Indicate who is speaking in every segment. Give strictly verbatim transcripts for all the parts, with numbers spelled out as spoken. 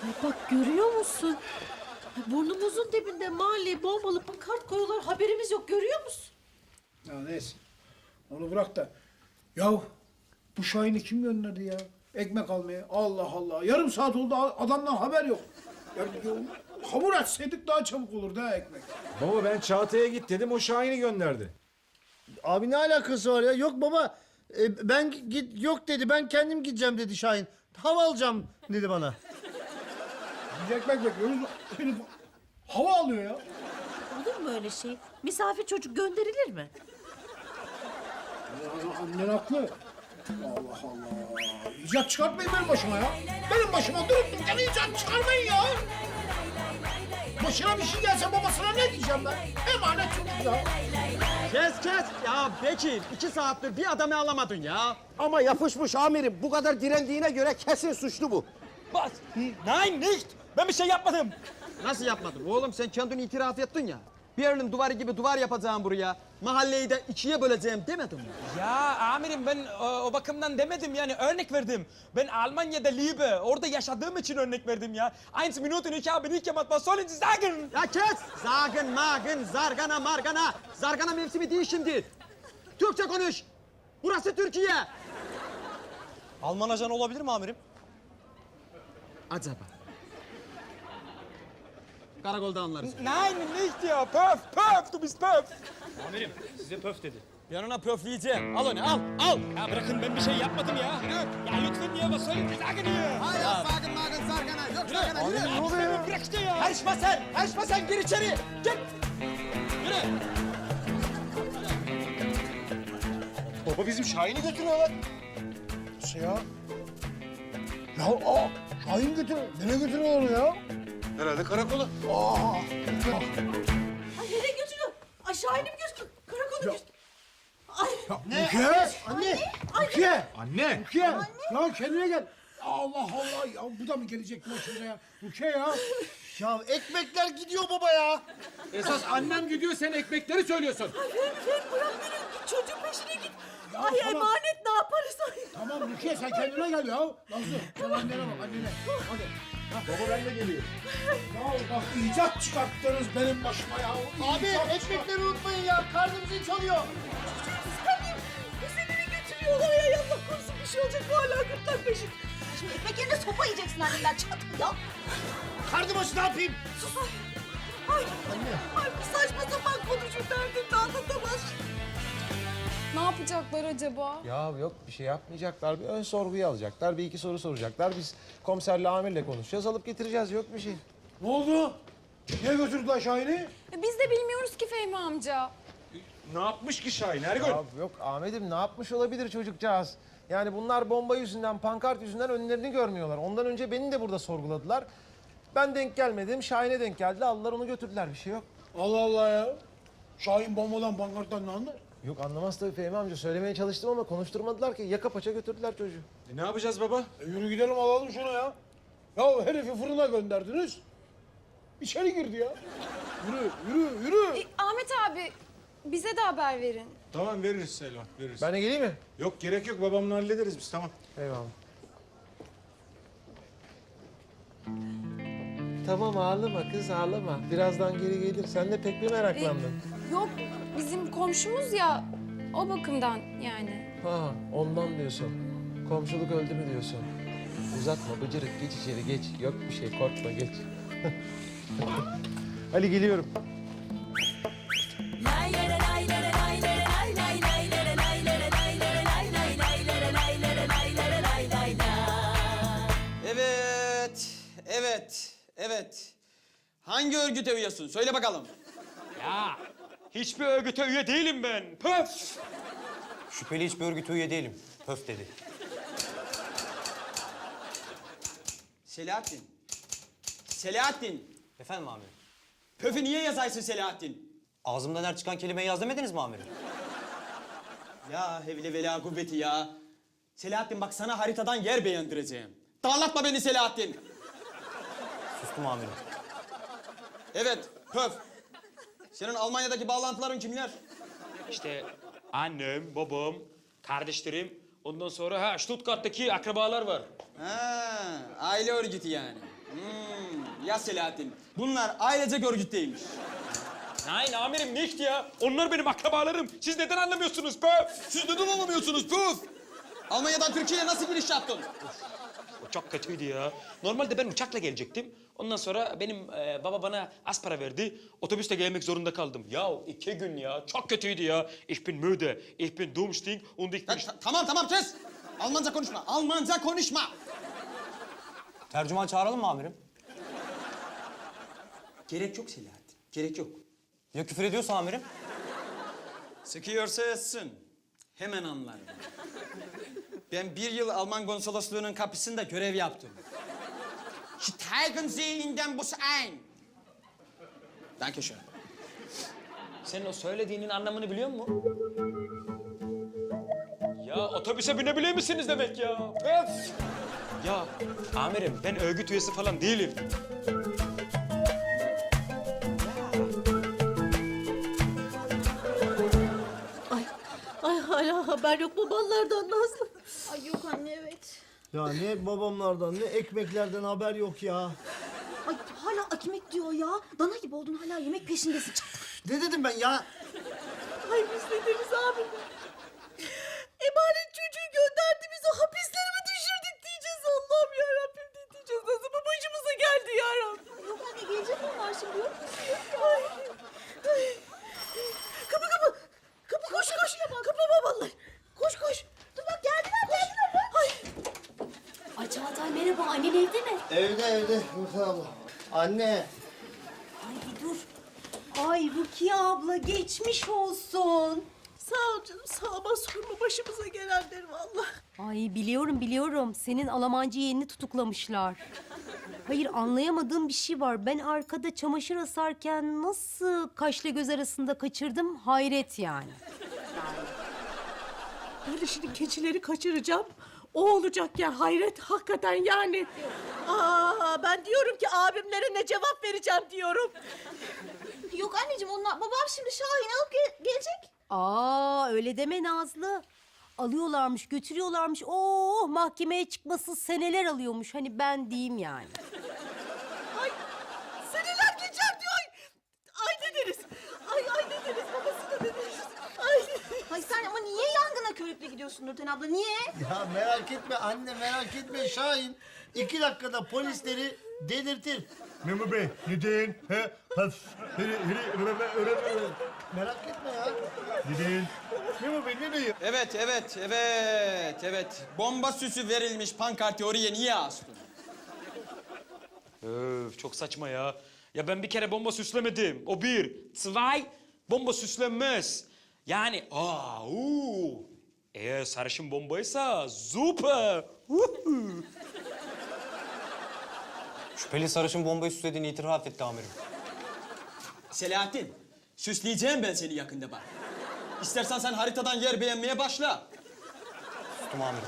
Speaker 1: Ay bak görüyor musun? Ay burnumuzun dibinde mahalleye bombalı pankart koyuyorlar. Haberimiz yok, görüyor musun?
Speaker 2: Ya neyse. Onu bırak da. Yahu bu Şahin'i kim gönderdi ya? Ekmek almaya. Allah Allah. Yarım saat oldu adamdan haber yok. Ya, ya, hamur açsaydık daha çabuk olurdu ha ekmek.
Speaker 3: Baba ben Çağatay'a git dedim, o Şahin'i gönderdi.
Speaker 4: Abi ne alakası var ya? Yok baba. e, ben git yok dedi. Ben kendim gideceğim dedi Şahin. Hava alacağım dedi bana.
Speaker 2: Biz ekmek bekliyoruz. Herif hava alıyor ya.
Speaker 1: Olur mu öyle şey? Misafir çocuk gönderilir mi?
Speaker 2: Ya, annen haklı. Allah Allah. İcat çıkartmayın benim başıma ya. Benim başıma durup dururken icat çıkarmayın ya. Başına bir şey gelse babasına ne diyeceğim ben? Emanet çocuk ya.
Speaker 5: Kes kes. Ya Bekir iki saattir bir adamı alamadın ya.
Speaker 6: Ama yapışmış amirim. Bu kadar direndiğine göre kesin suçlu bu.
Speaker 5: Bas. Nein nicht. Ben bir şey yapmadım. Nasıl yapmadın? Oğlum sen kendini itiraf ettin ya. Berlin duvarı gibi duvar yapacağım buraya. Mahalleyi de ikiye böleceğim demedin mi?
Speaker 7: Ya amirim ben o, o bakımdan demedim yani örnek verdim. Ben Almanya'da Liebe, orada yaşadığım için örnek verdim ya. Eins Minuten ich habe nicht gemacht, was sollen Sie sagen?
Speaker 5: Ya kes! Zagın, magın, zargana, margana. Zargana mevsimi değil şimdi. Türkçe konuş. Burası Türkiye.
Speaker 7: Alman ajan olabilir mi amirim?
Speaker 5: Acaba? Karakolda anlarız.
Speaker 7: Nein, nicht ya. Pöf, pöf, du bist pöf.
Speaker 8: Amirim size pöf dedi.
Speaker 7: Yanına pöfleyeceğim. Al onu, al, al. Ya bırakın ben bir şey yapmadım ya. Ya lütfen ya, was sollen Sie sagen hier?
Speaker 5: Hayır, zagın, magın, zargana. Yok zargana, yürü.
Speaker 7: Ne oluyor? Bırak işte ya.
Speaker 5: Karışma sen, karışma sen. Gir içeri. Gir. Yürü.
Speaker 3: Baba bizim Şahin'i götürüyorlar.
Speaker 2: Nasıl ya? Ya aa, Şahin götürüyor. Nereye götürüyor onu ya?
Speaker 3: Herhalde karakola.
Speaker 2: Aa,
Speaker 1: Ay nereye götürüyor? Ay Şahin'i mi götürüyor? Karakola götürüyor. Ay
Speaker 2: ne? Rukiye! Anne! Rukiye!
Speaker 3: Anne!
Speaker 2: Rukiye! Ya kendine gel. Allah Allah ya bu da mı gelecek başımıza ya? Rukiye ya.
Speaker 4: Ya ekmekler gidiyor baba ya.
Speaker 8: Esas annem gidiyor, sen ekmekleri söylüyorsun.
Speaker 1: Ay Fehmi, Fehmi bırak beni. Git çocuğun peşine git.
Speaker 2: Ya
Speaker 1: Ay
Speaker 2: tamam.
Speaker 1: emanet ne yaparız? Ay.
Speaker 2: Tamam Rukiye sen kendine gel ya. Nazlı sen annene bak annene. Hadi.
Speaker 3: Baba ben de geliyorum.
Speaker 2: Ya bak icat çıkarttınız benim başıma ya.
Speaker 4: Abi
Speaker 2: İcat
Speaker 4: ekmekleri unutmayın ya. Karnım zil çalıyor.
Speaker 1: Sen bizi nereye götürüyorlar ya? Allah korusun bir şey olacak. Bu hala gırtlak peşin.
Speaker 9: Şimdi ekmek yerine sopa yiyeceksin annemden. Çat ya.
Speaker 4: Karnı başı ne yapayım?
Speaker 1: Ay, ay bu saçma sapan konuşur derdimde anlatamaz.
Speaker 10: Ne yapacaklar acaba?
Speaker 3: Ya yok bir şey yapmayacaklar. Bir ön sorguyu alacaklar. Bir iki soru soracaklar. Biz komiserle amirle konuşacağız. Alıp getireceğiz. Yok bir şey.
Speaker 2: Ne oldu? Niye götürdüler Şahin'i?
Speaker 10: E, Biz de bilmiyoruz ki Fehmi amca.
Speaker 8: Ne yapmış ki Şahin Ergün?
Speaker 3: Ya yok Ahmet'im ne yapmış olabilir çocukcağız? Yani bunlar bomba yüzünden, pankart yüzünden önlerini görmüyorlar. Ondan önce beni de burada sorguladılar. Ben denk gelmedim. Şahin'e denk geldi. Aldılar onu götürdüler. Bir şey yok.
Speaker 2: Allah Allah ya. Şahin bombadan pankarttan ne anlar?
Speaker 3: Yok anlamaz tabii Fehmi amca. Söylemeye çalıştım ama konuşturmadılar ki. Yaka paça götürdüler çocuğu.
Speaker 8: E, ne yapacağız baba?
Speaker 2: E yürü gidelim alalım şunu ya. Ya herifi fırına gönderdiniz. İçeri girdi ya. Yürü, yürü, yürü.
Speaker 10: E, Ahmet abi bize de haber verin.
Speaker 8: Tamam veririz Selvan, veririz.
Speaker 3: Ben de geleyim mi?
Speaker 8: Yok gerek yok, babamla hallederiz biz, tamam.
Speaker 3: Eyvallah. Tamam ağlama kız ağlama. Birazdan geri gelir. Sen de pek bir meraklandın.
Speaker 10: Yok bizim komşumuz ya o bakımdan yani.
Speaker 3: Ha ondan diyorsun. Komşuluk öldü mü diyorsun. Uzatma bıcırık geç içeri geç. Yok bir şey korkma geç. Ali geliyorum.
Speaker 5: Evet, evet, evet. Hangi örgüte üyesin? Söyle bakalım.
Speaker 7: Ya hiçbir örgüte üye değilim ben. Pöf.
Speaker 6: Şüpheli hiçbir örgüte üye değilim. Pöf dedi.
Speaker 5: Selahattin. Selahattin.
Speaker 6: Efendim amirim?
Speaker 5: Pöfü niye yazaysın Selahattin?
Speaker 6: Ağzımdan her çıkan kelimeyi yaz demediniz mi amirim?
Speaker 5: Ya hevle vela kuvveti ya. Selahattin bak sana haritadan yer beğendireceğim. Darlatma beni Selahattin.
Speaker 6: Sustum amirim.
Speaker 5: Evet, Pöf. Senin Almanya'daki bağlantıların kimler?
Speaker 7: İşte annem, babam, kardeşlerim, Ondan sonra ha Stuttgart'taki akrabalar var.
Speaker 5: Ha, aile örgütü yani. Hmm, ya Selahattin, bunlar ailecek örgütteymiş.
Speaker 7: Nein amirim nicht ya. Onlar benim akrabalarım. Siz neden anlamıyorsunuz pöf?
Speaker 5: Siz neden anlamıyorsunuz puf? Almanya'dan Türkiye'ye nasıl giriş yaptın?
Speaker 7: O çok kötüydü ya. Normalde ben uçakla gelecektim. Ondan sonra benim e, baba bana az para verdi. Otobüste gelmek zorunda kaldım. Ya iki gün ya. Çok kötüydü ya. Ich bin müde. Ich bin dummsting und ich bin...
Speaker 5: Ya, ta- tamam tamam kes. Almanca konuşma. Almanca konuşma.
Speaker 6: Tercüman çağıralım mı amirim?
Speaker 5: Gerek yok Selahattin. Gerek yok.
Speaker 6: Ya küfür ediyorsa amirim?
Speaker 5: Sıkıyorsa etsin. Hemen anlarım. Ben bir yıl Alman konsolosluğunun kapısında görev yaptım. Steigen Sie in den Bus ein. Dankeschön.
Speaker 7: Sen o söylediğinin anlamını biliyor musun? Ya otobüse binebilir misiniz demek ya? Öf! Ya amirim ben örgüt üyesi falan değilim.
Speaker 1: Ay, ay hala haber yok babalardan Nazlı.
Speaker 9: Ay yok anne evet.
Speaker 4: Ya ne babamlardan ne ekmeklerden haber yok ya.
Speaker 9: Ay hala ekmek diyor ya. Dana gibi oldun hala yemek peşindesin. Çat.
Speaker 4: Ne dedim ben ya?
Speaker 1: Ay biz ne deriz abi? Emanet çocuğu gönderdi biz o hapisleri mi düşürdük diyeceğiz Allah'ım yarabbim ne diyeceğiz? Nasıl bu başımıza geldi yarabbim?
Speaker 9: Yok anne gelecek onlar şimdi yok.
Speaker 1: Ay, ay. Kapı kapı. Kapı koş koş. Kapı babalar. Koş koş.
Speaker 9: Dur bak geldiler geldiler.
Speaker 1: Ay.
Speaker 9: Ay Çağatay merhaba annen evde mi?
Speaker 4: Evde evde Rukiye abla. Anne.
Speaker 9: Ay bir dur. Ay Rukiye abla geçmiş olsun.
Speaker 1: Sağ ol canım sağ ol. Sorma başımıza gelenleri vallahi.
Speaker 11: Ay biliyorum biliyorum. Senin Almancı yeğenini tutuklamışlar. Hayır anlayamadığım bir şey var. Ben arkada çamaşır asarken nasıl kaşla göz arasında kaçırdım hayret yani.
Speaker 1: Ben de şimdi keçileri kaçıracağım. O olacak ya hayret hakikaten yani. Aa, ben diyorum ki abimlere ne cevap vereceğim diyorum.
Speaker 9: Yok anneciğim onlar babam şimdi Şahin'i alıp ge- gelecek.
Speaker 11: Aa öyle deme Nazlı. Alıyorlarmış götürüyorlarmış. Oh mahkemeye çıkması seneler alıyormuş. Hani ben diyeyim yani.
Speaker 1: Ay seneler geçer diyor. Ay, ay ne deriz? Ay ay ne deriz babasına ne deriz? Ay.
Speaker 9: Ay sen ama niye yangına körükle gidiyorsun Nurten abla niye?
Speaker 4: Ya merak etme anne merak etme Şahin. İki dakikada polisleri delirtir. Memur Bey neden? He? Pas. Merak etme ya. Neden? Memur Bey ne diyor?
Speaker 5: Evet, evet, evet, evet. Bomba süsü verilmiş pankartı oraya niye astın?
Speaker 7: Öf çok saçma ya. Ya ben bir kere bomba süslemedim. O bir. Zwei, bomba süslenmez. Yani aa, uu. Eğer sarışın bombaysa super. Uhu.
Speaker 6: Şüpheli sarışın bombayı süslediğini itiraf etti amirim.
Speaker 5: Selahattin, süsleyeceğim ben seni yakında bak. İstersen sen haritadan yer beğenmeye başla.
Speaker 6: Sustum amirim.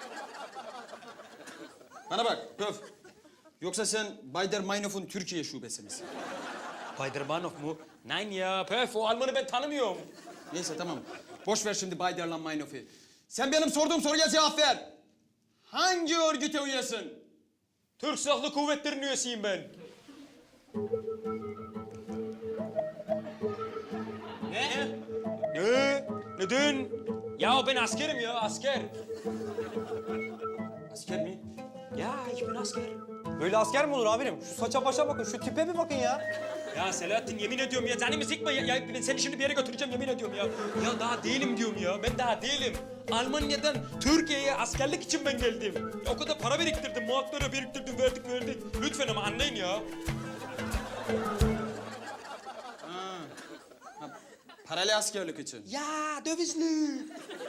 Speaker 5: Bana bak, Pöf. Yoksa sen Bayder Meinhof'un Türkiye şubesi misin?
Speaker 7: Baydermanov mu? Nein ya, pöf o Almanı ben tanımıyorum.
Speaker 5: Neyse tamam. Boş ver şimdi Bayder'la Meinhof'u. Sen benim sorduğum soruya cevap ver. Hangi örgüte üyesin?
Speaker 7: Türk Silahlı Kuvvetleri'nin üyesiyim ben.
Speaker 5: Ne?
Speaker 7: Ne? Neden? Ya ben askerim ya, asker.
Speaker 5: Asker mi?
Speaker 7: Ya ich bin asker.
Speaker 6: Böyle asker mi olur amirim? Şu saça başa bakın, şu tipe bir bakın ya.
Speaker 7: Ya Selahattin yemin ediyorum ya canımı sıkma ya, ya ben seni şimdi bir yere götüreceğim yemin ediyorum ya. Ya daha değilim diyorum ya ben daha değilim. Almanya'dan Türkiye'ye askerlik için ben geldim. Ya o kadar para biriktirdim, muhatlara biriktirdim, verdik verdik. Lütfen ama anlayın ya.
Speaker 5: Ha. Ha, paralel askerlik için.
Speaker 7: Ya dövizli.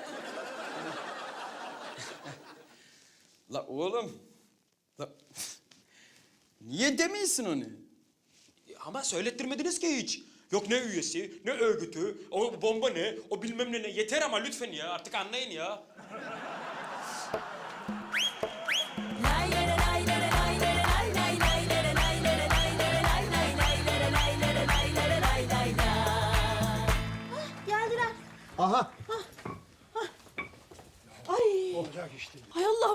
Speaker 5: La oğlum. La... Niye demiyorsun onu?
Speaker 7: Ama söylettirmediniz ki hiç. Yok ne üyesi, ne örgütü, o bomba ne, o bilmem ne ne. Yeter ama lütfen ya, artık anlayın ya.
Speaker 9: Geldiler.
Speaker 4: Aha.
Speaker 1: Ay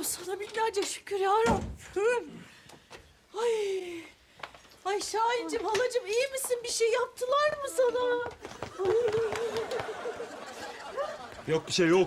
Speaker 1: Allah'ım sana binlerce şükür ya Rabbim. Ay. Ay Şahincim, halacığım iyi misin? Bir şey yaptılar mı sana?
Speaker 7: Yok bir şey yok.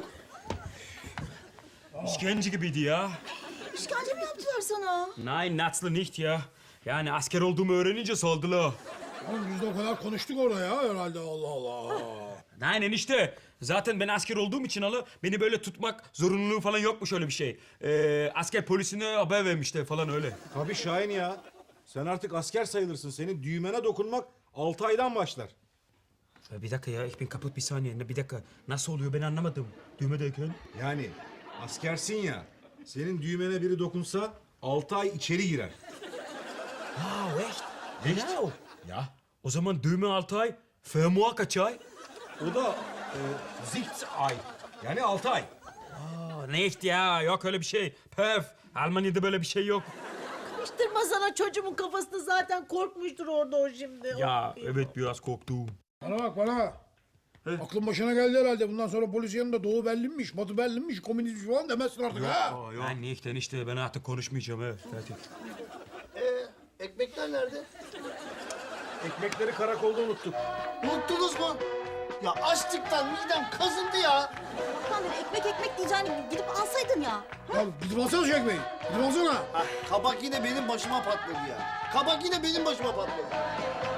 Speaker 7: İşkence gibiydi ya.
Speaker 9: İşkence mi yaptılar sana?
Speaker 7: Nein, Natzlı nicht ya. Yani asker olduğumu öğrenince saldılar.
Speaker 2: Oğlum biz de o kadar konuştuk orada ya herhalde Allah Allah.
Speaker 7: Nein enişte. Zaten ben asker olduğum için alı beni böyle tutmak zorunluluğu falan yokmuş öyle bir şey. Ee, asker polisine haber vermişler falan öyle.
Speaker 8: Tabii Şahin ya. Sen artık asker sayılırsın. Senin düğmene dokunmak altı aydan başlar.
Speaker 7: Ya bir dakika ya, ich bin kaputt bir saniye. Bir dakika, nasıl oluyor ben anlamadım. Düğmedeyken.
Speaker 8: Yani askersin ya. Senin düğmene biri dokunsa altı ay içeri girer.
Speaker 7: Ha, echt? Echt? Ya, o zaman düğme altı ay, fermuar kaç ay?
Speaker 8: O da e, zicht ay. Yani altı ay.
Speaker 7: Aa, nicht ya, yok öyle bir şey. Pöf, Almanya'da böyle bir şey yok.
Speaker 1: Karıştırma sana, çocuğumun kafasını zaten korkmuştur orada o şimdi.
Speaker 7: Ya, evet biraz korktum.
Speaker 2: Bana bak bana. Aklın başına geldi herhalde. Bundan sonra polis yanında Doğu Berlin'miş, Batı Berlin'miş, komünist falan demezsin artık ha.
Speaker 7: Ben nicht enişte, ben artık konuşmayacağım evet. Fertig.
Speaker 4: Ee, ekmekler nerede?
Speaker 8: Ekmekleri karakolda unuttuk.
Speaker 4: Unuttunuz mu? Ya açlıktan midem kazındı ya.
Speaker 9: Amir ekmek ekmek diyeceğini gidip alsaydın ya.
Speaker 2: Ya gidip alsana şu ekmeği. Gidip alsana.
Speaker 4: Ha, kabak yine benim başıma patladı ya. Kabak yine benim başıma patladı.